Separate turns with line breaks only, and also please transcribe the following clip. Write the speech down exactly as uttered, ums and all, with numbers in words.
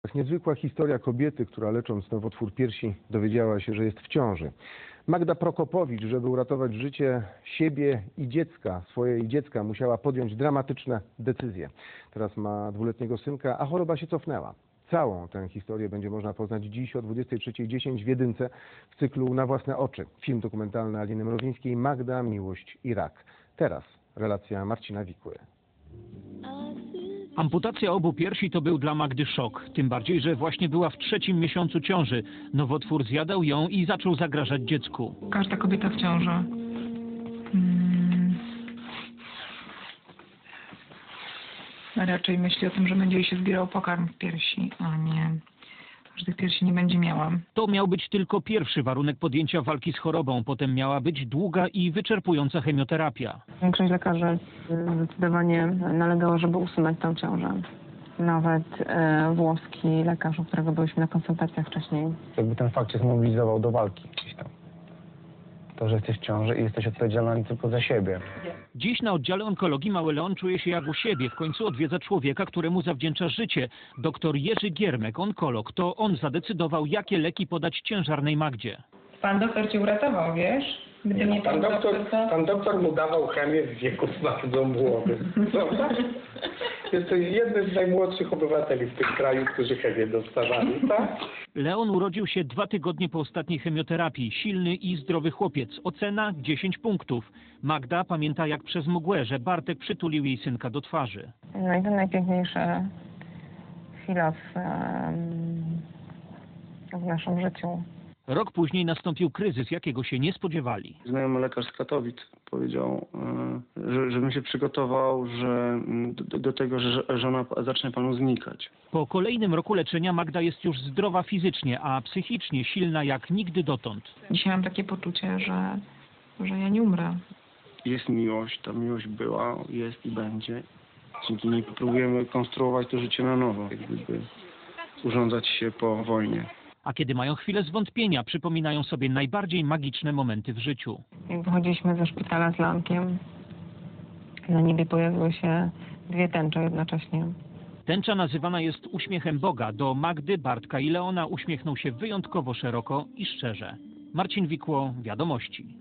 Niezwykła historia kobiety, która lecząc nowotwór piersi dowiedziała się, że jest w ciąży. Magda Prokopowicz, żeby uratować życie siebie i dziecka, swojej dziecka, musiała podjąć dramatyczne decyzje. Teraz ma dwuletniego synka, a choroba się cofnęła. Całą tę historię będzie można poznać dziś o dwudziestej trzeciej dziesięć w Jedynce w cyklu Na własne oczy. Film dokumentalny Aliny Mrozińskiej Magda, miłość i rak. Teraz relacja Marcina Wikły.
Amputacja obu piersi to był dla Magdy szok. Tym bardziej, że właśnie była w trzecim miesiącu ciąży. Nowotwór zjadał ją i zaczął zagrażać dziecku.
Każda kobieta w ciąży hmm, raczej myśli o tym, że będzie jej się zbierał pokarm w piersi, a nie, że tych piersi nie będzie miała.
To miał być tylko pierwszy warunek podjęcia walki z chorobą. Potem miała być długa i wyczerpująca chemioterapia.
Większość lekarzy zdecydowanie nalegała, żeby usunąć tę ciążę. Nawet e, włoski lekarz, u którego byliśmy na konsultacjach wcześniej.
Jakby ten fakt cię zmobilizował do walki gdzieś tam. To, że jesteś w ciąży i jesteś odpowiedzialny tylko za siebie.
Dziś na oddziale onkologii mały Leon czuje się jak u siebie. W końcu odwiedza człowieka, któremu zawdzięcza życie. Doktor Jerzy Giermek, onkolog. To on zadecydował, jakie leki podać ciężarnej Magdzie.
Pan doktor cię uratował, wiesz? Gdyby nie
Pan doktor,
to...
pan doktor mu dawał chemię w wieku bardzo młodym. Prawda? Jest to jeden z najmłodszych obywateli w tym kraju, którzy chemię dostawali, tak?
Leon urodził się dwa tygodnie po ostatniej chemioterapii. Silny i zdrowy chłopiec. Ocena dziesięć punktów. Magda pamięta jak przez mgłę, że Bartek przytulił jej synka do twarzy.
No i to najpiękniejsza chwila w, w naszym życiu.
Rok później nastąpił kryzys, jakiego się nie spodziewali.
Znajomy lekarz z Katowic powiedział, że, żebym się przygotował że, do, do tego, że żona zacznie panu znikać.
Po kolejnym roku leczenia Magda jest już zdrowa fizycznie, a psychicznie silna jak nigdy dotąd.
Dzisiaj mam takie poczucie, że, że ja nie umrę.
Jest miłość, ta miłość była, jest i będzie. Dzięki niej próbujemy konstruować to życie na nowo, jak gdyby urządzać się po wojnie.
A kiedy mają chwilę zwątpienia, przypominają sobie najbardziej magiczne momenty w życiu.
Jak wychodziliśmy ze szpitala z Leonkiem, na niebie pojawiły się dwie tęcze jednocześnie.
Tęcza nazywana jest uśmiechem Boga. Do Magdy, Bartka i Leona uśmiechnął się wyjątkowo szeroko i szczerze. Marcin Wikło, Wiadomości.